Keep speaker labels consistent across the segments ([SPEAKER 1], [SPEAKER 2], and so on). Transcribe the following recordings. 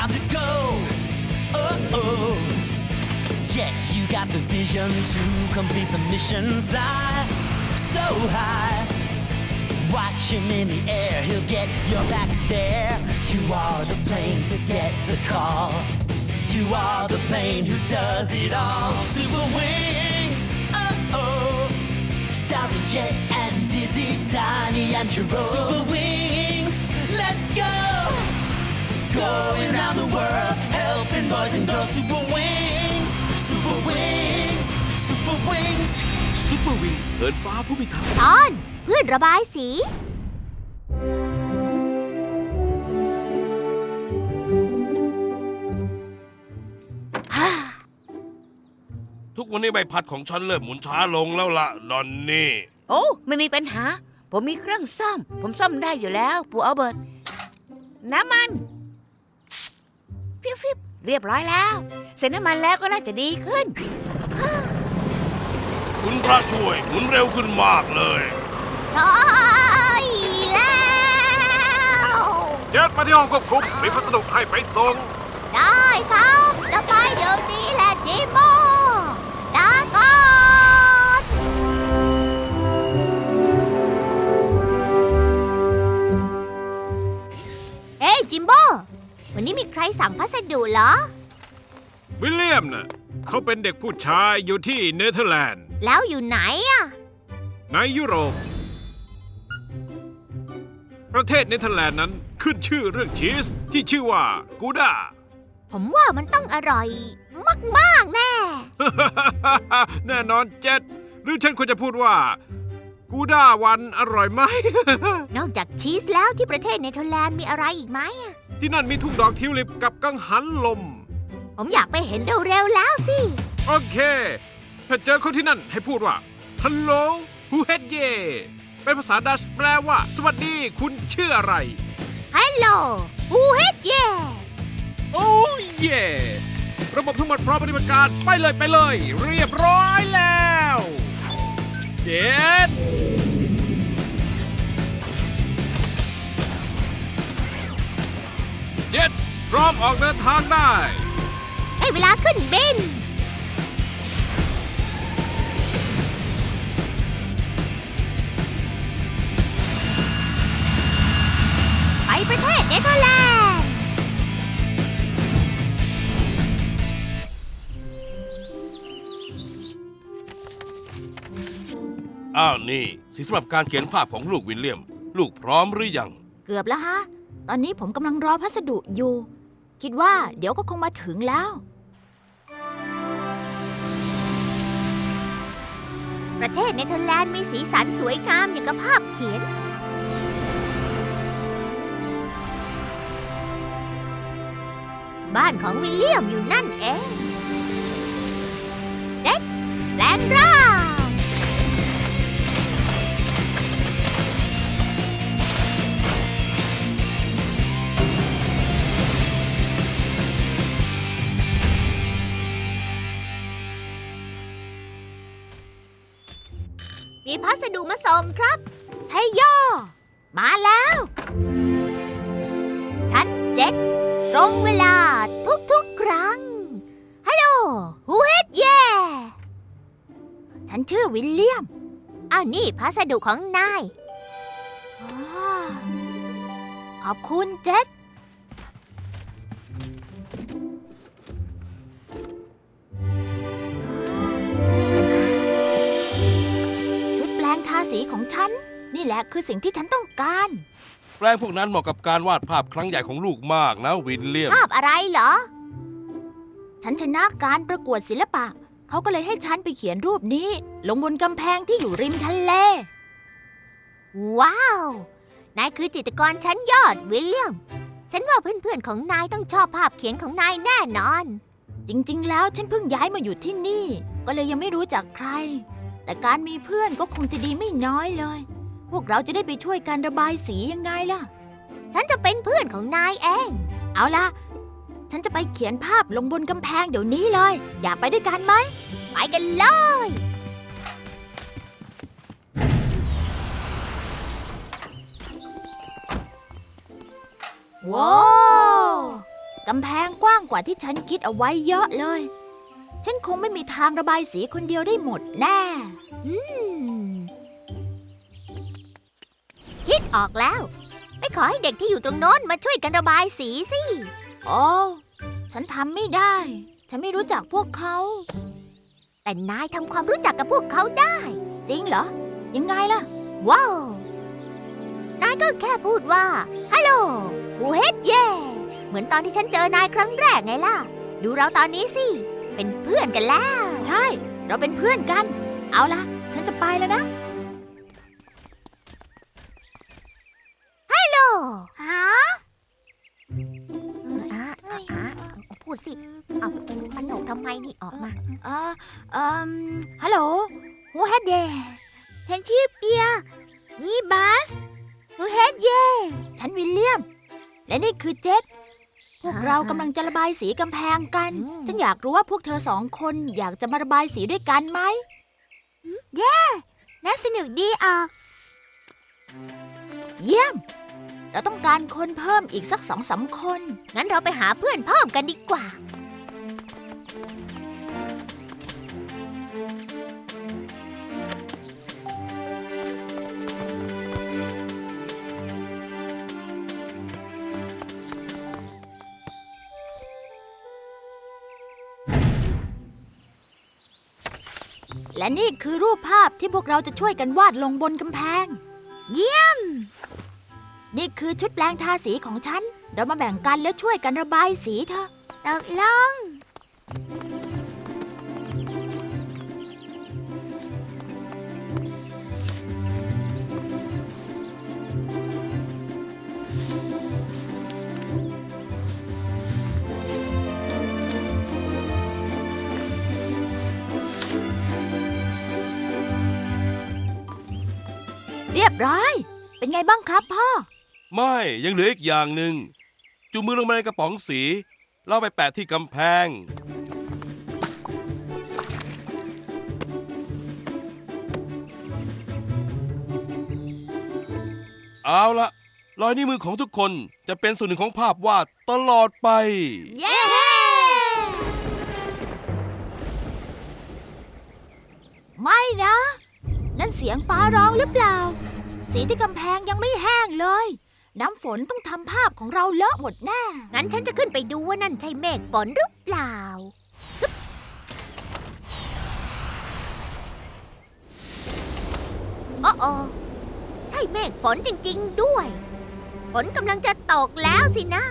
[SPEAKER 1] time to go. Oh, Jet, you got the vision to complete the mission. Fly so high, watching in the air. He'll get your package there. You are the plane to get the call. You are the plane who does it all. Super wings, oh, starring Jet and Dizzy, Donnie and Jerome. Super wings, let's go. Going around the world, helping boys and girls. Super wings, super wings, super wings.
[SPEAKER 2] Super Wing เหินฟ้าผู้พิทักษ์
[SPEAKER 3] ตอนเพื่อนระบายสี
[SPEAKER 4] ทุกวันนี้ใบพัดของฉันเริ่มหมุนช้าลงแล้วล่ะดอนนี่
[SPEAKER 5] โอ้ไม่มีปัญหาผมมีเครื่องซ่อมผมซ่อมได้อยู่แล้วปู่อัลเบิร์ตน้ำมันฟิบเรียบร้อยแล้วเสร็จน้ำมันแล้วก็น่าจะดีขึ้น
[SPEAKER 4] คุณพระช่วยหมุนเร็วขึ้นมากเลย
[SPEAKER 3] ใช่แล้ว
[SPEAKER 2] เจ็ดมาที่ห้องควบคุมมีพัสดุให้ไปส่ง
[SPEAKER 3] ได้ครับจะไปเดี๋ยวนี้แหละจิมโบ้ลาก่อนเฮ้ยจิมโบ้วันนี้มีใครสั่งพัสดุเหรอ
[SPEAKER 2] วิลเลียมน่ะเขาเป็นเด็กผู้ชายอยู่ที่เนเธอร์แลนด์
[SPEAKER 3] แล้วอยู่ไหนอะ
[SPEAKER 2] ในยุโรปประเทศเนเธอร์แลนด์นั้นขึ้นชื่อเรื่องชีสที่ชื่อว่ากูด้า
[SPEAKER 3] ผมว่ามันต้องอร่อยมากๆแน่
[SPEAKER 2] แน่นอนเจ็ดหรือฉันควรจะพูดว่ากูด้าวันอร่อยไหม
[SPEAKER 3] นอกจากชีสแล้วที่ประเทศเนเธอร์แลนด์มีอะไรอีกไหมอะ
[SPEAKER 2] ที่นั่นมีทุ่งดอกทิวลิปกับกังหันลม
[SPEAKER 3] ผมอยากไปเห็นเร็วๆแล้วสิ
[SPEAKER 2] โอเค ถ้าเจอคนที่นั่นให้พูดว่า Hello who had ye เป็นภาษาดัชแปลว่าสวัสดีคุณชื่ออะไร
[SPEAKER 3] ฮัลโหลฮูเฮดเย่
[SPEAKER 2] โอ้เย่ระบบทั้งหมดพร้อมปฏิบัติการไปเลยเรียบร้อยแล้วเจ็ดพร้อมออกเดินทางได้
[SPEAKER 3] ได้เวลาขึ้นบิน ไปประเทศเนเธอร์แลนด์
[SPEAKER 4] อ้าวนี่สีสำหรับการเขียนภาพของลูกวิลเลียม ลูกพร้อมหรือยัง
[SPEAKER 6] เกือบแล้วฮะ ตอนนี้ผมกำลังรอพัสดุอยู่ คิดว่าเดี๋ยวก็คงมาถึงแล้ว
[SPEAKER 3] ประเทศเนเธอร์แลนด์มีสีสันสวยงามอย่างกับภาพเขียน บ้านของวิลเลียมอยู่นั่นเองเจ็ดแปลงร่าง มีพัสดุมาส่งครับใช่ย่อมาแล้ว ฉันเจ็ดตรงเวลาทุกๆครั้ง ฮัลโหลฮูเฮดเย่
[SPEAKER 6] ฉันชื่อวิลเลียม
[SPEAKER 3] อ้าวนี่พัสดุของนาย
[SPEAKER 6] อ๋อขอบคุณเจ็ดชุดแปลงทาสีของฉัน นี่แหละคือสิ่งที่ฉันต้องการ
[SPEAKER 4] แปลงพวกนั้นเหมาะกับการวาดภาพครั้งใหญ่ของลูกมากนะวิลเลียม
[SPEAKER 3] ภาพอะไรเหรอ
[SPEAKER 6] ฉันชนะการประกวดศิลปะ เขาก็เลยให้ฉันไปเขียนรูปนี้ ลงบนกำแพงที่อยู่ริมทะเล
[SPEAKER 3] ว้าว นายคือจิตรกรชั้นยอดวิลเลียม ฉันว่าเพื่อนๆของนายต้องชอบภาพเขียนของนายแน่นอน
[SPEAKER 6] จริงๆ แล้วฉันเพิ่งย้ายมาอยู่ที่นี่ ก็เลยยังไม่รู้จักใคร แต่การมีเพื่อนก็คงจะดีไม่น้อยเลย พวกเราจะได้ไปช่วยกันระบายสียังไงล่ะ
[SPEAKER 3] ฉันจะเป็นเพื่อนของนายเอง
[SPEAKER 6] เอาล่ะ ฉันจะไปเขียนภาพลงบนกำแพงเดี๋ยวนี้เลย อยากไปด้วยกันไหม
[SPEAKER 3] ไปกันเลย
[SPEAKER 6] ว้าวกำแพงกว้างกว่าที่ฉันคิดเอาไว้เยอะเลย ฉันคงไม่มีทางระบายสีคนเดียวได้หมดแน่
[SPEAKER 3] คิดออกแล้ว ไปขอให้เด็กที่อยู่ตรงโน้นมาช่วยกันระบายสีสิ
[SPEAKER 6] โอ้ฉันทำไม่ได้ ฉันไม่รู้จักพวกเขา
[SPEAKER 3] แต่นายทำความรู้จักกับพวกเขาได้
[SPEAKER 6] จริงเหรอ ยังไงล่ะ
[SPEAKER 3] ว้าว นายก็แค่พูดว่า ฮัลโหลบูเฮดเย่เหมือนตอนที่ฉันเจอนายครั้งแรกไงล่ะ ดูเราตอนนี้สิ เป็นเพื่อนกันแล้ว
[SPEAKER 6] ใช่ เราเป็นเพื่อนกัน เอาล่ะ ฉันจะไปแล้วนะ
[SPEAKER 3] ฮัลโหลฮะพูดสิ เอามันหนกทำไมนี่ออกมา
[SPEAKER 6] ฮัลโหลฮูเฮดเย่
[SPEAKER 3] ฉันชื่อเปีย นี่บัสบูเฮดเย่
[SPEAKER 6] ฉันวิลเลียม และนี่คือเจษพวกเรากำลังจะระบายสีกำแพงกัน ฉันอยากรู้ว่าพวกเธอ2 คนอยากจะมาระบายสีด้วยกันไหม
[SPEAKER 3] น่าสนุกดีออก
[SPEAKER 6] เยี่ยม เราต้องการคนเพิ่มอีกสัก2-3 คน
[SPEAKER 3] งั้นเราไปหาเพื่อนเพิ่มกันดีกว่า
[SPEAKER 6] และนี่คือรูปภาพที่พวกเราจะช่วยกันวาดลงบนกำแพง
[SPEAKER 3] เยี่ยม
[SPEAKER 6] นี่คือชุดแปลงทาสีของฉัน เรามาแบ่งกันแล้วช่วยกันระบายสีเถอะ
[SPEAKER 3] ตกลง
[SPEAKER 6] เรียบร้อย เป็นไงบ้างครับพ่อ
[SPEAKER 4] ไม่ยังเหลืออีกอย่างหนึ่งจุ่มมือลงมาในกระป๋องสีแล้วไปแปะที่กำแพง เอาละรอยนิ้วมือของทุกคนจะเป็นส่วนหนึ่งของภาพวาดตลอดไป
[SPEAKER 3] เย้
[SPEAKER 6] ไม่นะ นั่นเสียงฟ้าร้องหรือเปล่า สีที่กำแพงยังไม่แห้งเลย น้ำฝนต้องทำภาพของเราเลอะหมดแน่
[SPEAKER 3] งั้นฉันจะขึ้นไปดูว่านั่นใช่เมฆฝนหรือเปล่าฮึบโอ้โอใช่เมฆฝนจริงๆด้วย ฝนกำลังจะตกแล้วสินะ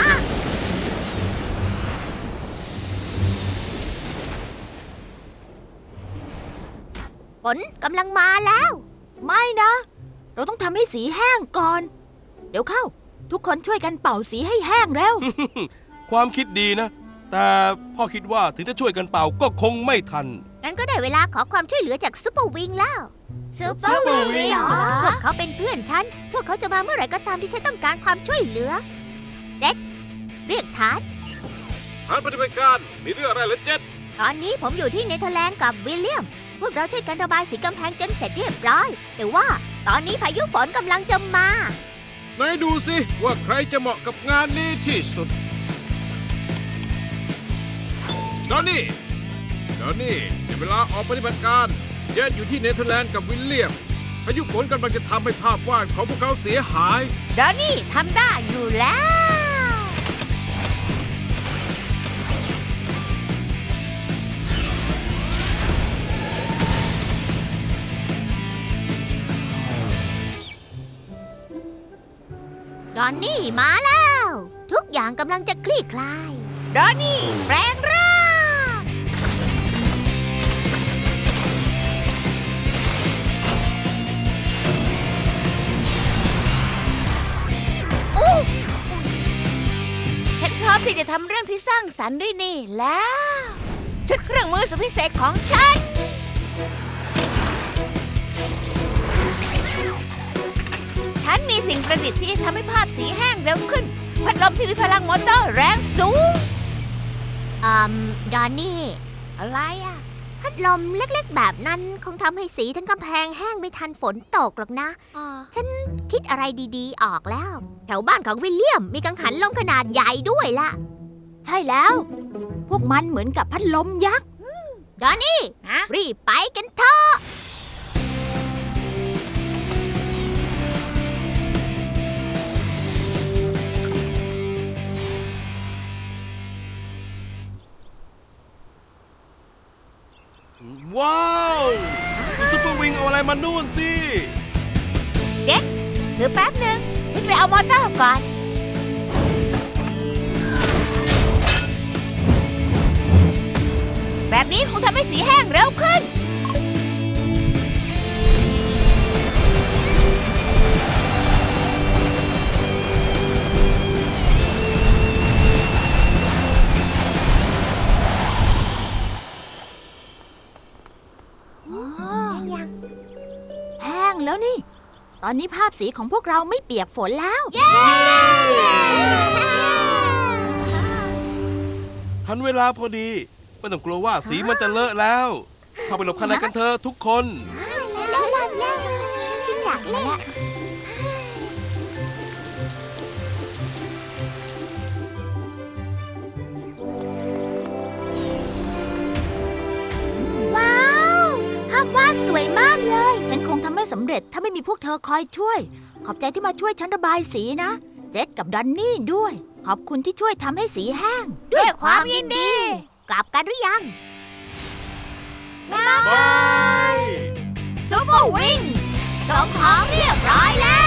[SPEAKER 3] ฝนกำลังมาแล้ว
[SPEAKER 6] ไม่นะ เราต้องทำให้สีแห้งก่อน เดี๋ยวเข้า ทุกคนช่วยกันเป่าสีให้แห้งเร็ว
[SPEAKER 4] ความคิดดีนะ แต่พ่อคิดว่าถึงจะช่วยกันเป่าก็คงไม่ทัน
[SPEAKER 3] งั้นก็ได้เวลาขอความช่วยเหลือจากซุปเปอร์วิงแล้วซุปเปอร์วิง
[SPEAKER 6] เหรอ
[SPEAKER 3] พวกเขาเป็นเพื่อนฉัน พวกเขาจะมาเมื่อไหร่ก็ตามที่ฉันต้องการความช่วยเหลือ เจ็ดเรียกฐาน
[SPEAKER 2] ฐานปฏิบัติการมีเรื่องอะไรเหรอเจ็ด
[SPEAKER 3] ตอนนี้ผมอยู่ที่เนเธอร์แลนด์กับวิลเลียม พวกเราช่วยกันระบายสีกำแพงจนเสร็จเรียบร้อย แต่ว่าตอนนี้พายุฝนกำลังจะมา
[SPEAKER 2] ไหนดูสิว่าใครจะเหมาะกับงานนี้ที่สุดดอนนี่ถึงเวลาออกปฏิบัติการเจ็ดอยู่ที่เนเธอร์แลนด์กับวิลเลียมพายุฝนกำลังจะทำให้ภาพวาดของพวกเขาเสียหาย
[SPEAKER 5] ดอนนี่ทำได้อยู่แล้ว
[SPEAKER 3] ดอนนี่มาแล้ว ทุกอย่างกำลังจะคลี่คลาย
[SPEAKER 5] ดอนนี่แปลงร่าง ฉันพร้อมที่จะทำเรื่องที่สร้างสรรค์ด้วยนี่แล้ว ชุดเครื่องมือสุดพิเศษของฉัน ฉันมีสิ่งประดิษฐ์ที่ทำให้ภาพสีแห้งเร็วขึ้น พัดลมที่มีพลังมอเตอร์แรงสูง
[SPEAKER 3] ดอนนี่
[SPEAKER 5] อะไรอ่ะ
[SPEAKER 3] พัดลมเล็กๆแบบนั้นคงทำให้สีทั้งกำแพงแห้งไม่ทันฝนตกหรอกนะ ฉันคิดอะไรดีๆออกแล้ว แถวบ้านของวิลเลียมมีกังหันลมขนาดใหญ่ด้วยล่ะ
[SPEAKER 6] ช่แล้ว พวกมันเหมือนกับพัดลมยักษ์
[SPEAKER 3] ดอนนี่
[SPEAKER 5] ฮะ
[SPEAKER 3] รีบไปกันเถอะ
[SPEAKER 4] ว้าวซุปเปอร์วิงเอาอะไรมานู่นสิ
[SPEAKER 5] ถือแป๊บหนึ่งฉันไปเอามอเตอร์ก่อน แบบนี้คงทำให้สีแห้งเร็วขึ้น
[SPEAKER 6] แห้งแล้วนี่ ตอนนี้ภาพสีของพวกเราไม่เปียกฝนแล้ว
[SPEAKER 4] ทันเวลาพอดี ไม่ต้องกลัวว่าสีมันจะเลอะแล้ว เข้าไปหลบข้างในกันเถอะทุกคน
[SPEAKER 3] จริงอยากเล่นว้าวภาพวาดสวยมากเลย
[SPEAKER 6] ฉันคงทำไม่สำเร็จถ้าไม่มีพวกเธอคอยช่วย ขอบใจที่มาช่วยฉันระบายสีนะ เจ็ดกับดอนนี่ด้วย ขอบคุณที่ช่วยทำให้สีแห้ง
[SPEAKER 3] ด้วยความยินดี กลับกันหรือยัง
[SPEAKER 4] บาย
[SPEAKER 3] ซุปเปอร์วิงส่งของเรียบร้อยแล้ว